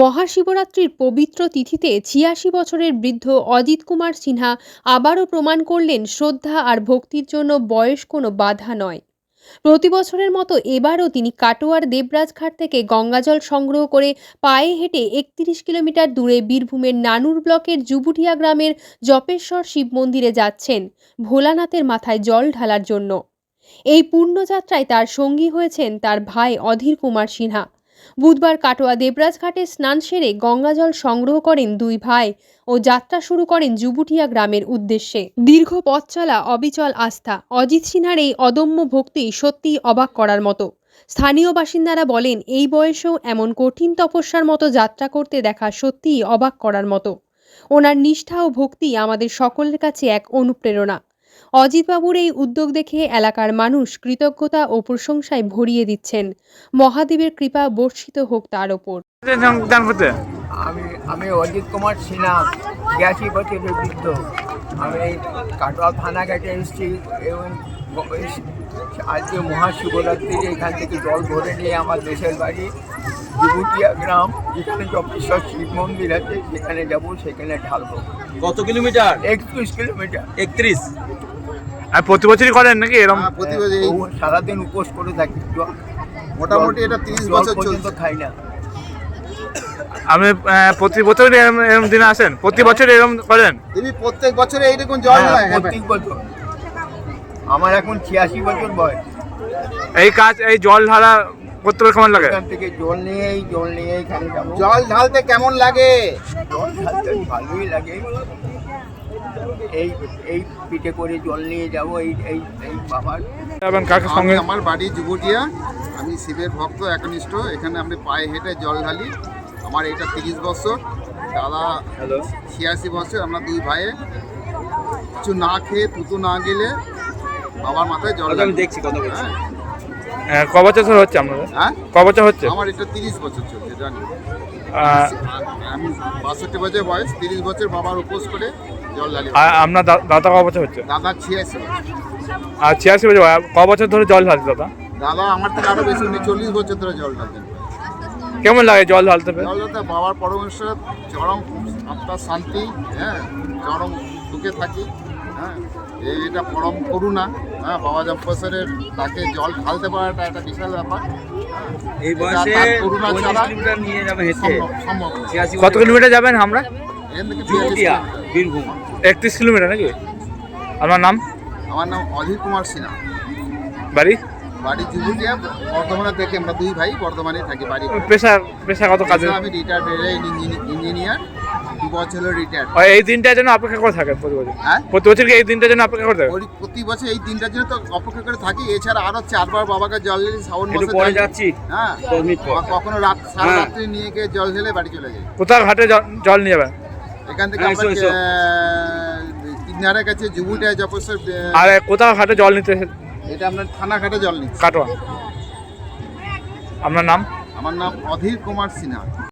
মহাশিবরাত্রির পবিত্র তিথিতে ৮৬ বছরের বৃদ্ধ অজিত কুমার সিনহা আবারও প্রমাণ করলেন শ্রদ্ধা আর ভক্তির জন্য বয়স কোনো বাধা নয়। প্রতি বছরের মতো এবারও তিনি কাটোয়ার দেবরাজঘাট থেকে গঙ্গাজল সংগ্রহ করে পায়ে হেঁটে ৩১ কিলোমিটার দূরে বীরভূমের নানুর ব্লকের জুবুটিয়া গ্রামের জপেশ্বর শিব মন্দিরে যাচ্ছেন ভোলানাথের মাথায় জল ঢালার জন্য। এই পুণ্যযাত্রায় তার সঙ্গী হয়েছেন তার ভাই অধীর কুমার সিনহা। বুধবার কাটোয়া দেবরাজঘাটে স্নান সেরে গঙ্গাজল সংগ্রহ করেন দুই ভাই ও যাত্রা শুরু করেন জুবুটিয়া গ্রামের উদ্দেশ্যে। দীর্ঘ পথ চলা, অবিচল আস্থা, অজিত সিনহার এই অদম্য ভক্তি সত্যিই অবাক করার মতো। স্থানীয় বাসিন্দারা বলেন, এই বয়সেও এমন কঠিন তপস্যার মতো যাত্রা করতে দেখা সত্যিই অবাক করার মতো। ওনার নিষ্ঠা ও ভক্তি আমাদের সকলের কাছে এক অনুপ্রেরণা। অজিতবাবুর এই উদ্যোগ দেখে এলাকার মানুষ কৃতজ্ঞতা ও প্রশংসায় ভরিয়ে দিচ্ছেন। মহাদেবের কৃপা বর্ষিত হোক তার ওপর। আমি অজিত কুমার সিনহা, ৮৬ বছরের বৃদ্ধ। আমি কাটোয়া থানাঘাটে এসেছি এবং আজকে মহাশিবরাত্রি এখান থেকে জল ভরে নিয়ে আমার দেশের বাড়ি জুবুটিয়া গ্রাম, যেখানে জপেশ্বর শিব মন্দির আছে, সেখানে যাব, সেখানে ঢালবো। কত কিলোমিটার? ৩১ কিলোমিটার। ৩১। আর প্রতি বছরই করেন নাকি এরকম? প্রতি বছর সারাদিন উপোস করে থাকি, মোটামুটি এটা ৩০ বছর পর্যন্ত খাই না। আপনি প্রতি বছর এরকম দিনে আসেন? প্রতি বছর এরকম করেন? তুমি প্রত্যেক বছরে এইরকম জল হয়? প্রত্যেক বছর। আমার এখন ৮৬ বছর বয়স। এই কাজ, এই জল ঢালা করতে কেমন লাগে? এখান থেকে জল নিয়েই এখানে যাবো। জল ঢালতে কেমন লাগে? জল ঢালতে ভালোই লাগে। এই পিঠে করে জল নিয়ে যাবো এই বাবার। কাকে সঙ্গে? আমার বাড়ি জুবুটিয়া, আমি শিবের ভক্ত একনিষ্ঠ। এখানে আমি পায়ে হেঁটে জল ঢালি। আমার এটা ৩০ বছর, দাদা ৮৬ বছর। আমরা দুই ভাইয়ে কিছু না খেয়ে, তুতু না গেলে বাবার মাথায় জল ঢালি। দেখছি কত বছর। ক বছর হচ্ছে আপনাদের? হ্যাঁ, ক বছর হচ্ছে? আমার এটা ৩০ বছর চলছে, জানি। আমি ৬২ বছর বয়স, ৩০ বছর বাবার উপোস করে জল ঢালি। আপনার দাদা ক বছর হচ্ছে? দাদা ৮৬ বছর। আর ৮৬ বছর ক বছর ধরে জল ঢালছে দাদা? দাদা আমার থেকে আরো বেশি, ৪০ বছর ধরে জল ঢালতেন। কেমন লাগে জল ঢালতে? জল ঢালতে বাবার পরমেশ্বর চরম আত্মার শান্তি, হ্যাঁ, চরম সুখে থাকি। হ্যাঁ, এটা পরম করুণা। হ্যাঁ, বাবা জম্পেশ্বরের তাকে জল ঢালতে পারাটা একটা বিশাল ব্যাপার। এই বয়সে করুণা ছাড়া কিলোমিটার নিয়ে যাবে হেঁটে। সম্ভব না। কত কিলোমিটার যাবেন? আমরা এখান থেকে জুবুটিয়া, বীরভূম। ৩১ কিলোমিটার নাকি? আপনার নাম? আমার নাম অধীর কুমার সিনহা। বাড়ি? বাড়ি জুবুটিয়া, বর্ধমানে থেকে। আমরা দুই ভাই বর্ধমানে থাকি। বাড়ি পেশাগত কাজে? আমি রিটায়ার্ড ইঞ্জিনিয়ার, 2 বছর হলো রিটায়ার্ড। এই দিনটার জন্য অপেক্ষা করে থাকেন প্রতি বছর? হ্যাঁ, প্রতি বছর কি এই দিনটার জন্য অপেক্ষা করে থাকেন? প্রতি বছর এই দিনটার জন্য তো অপেক্ষা করে থাকি। এছাড়া আরো 4 বার বাবাকে জল ঢেলে শ্রাবণ একটু মাসে পরে যাচ্ছি। হ্যাঁ, 10 মিনিট পর। কখনো সারা রাত্রি নিয়ে গিয়ে জল ঢেলে বাড়ি চলে যাই। কোথাও ঘাটে জল নিয়ে যাবেন? এখান থেকে আমরা কিনারের কাছে জুবুটিয়া জপেশ্বর। আর কোথাও ঘাটে জল নিতে? এটা আপনার থানা ঘাটে জল নিচ্ছে। কাটোয়া। আপনার নাম? আমার নাম অধীর কুমার সিনহা।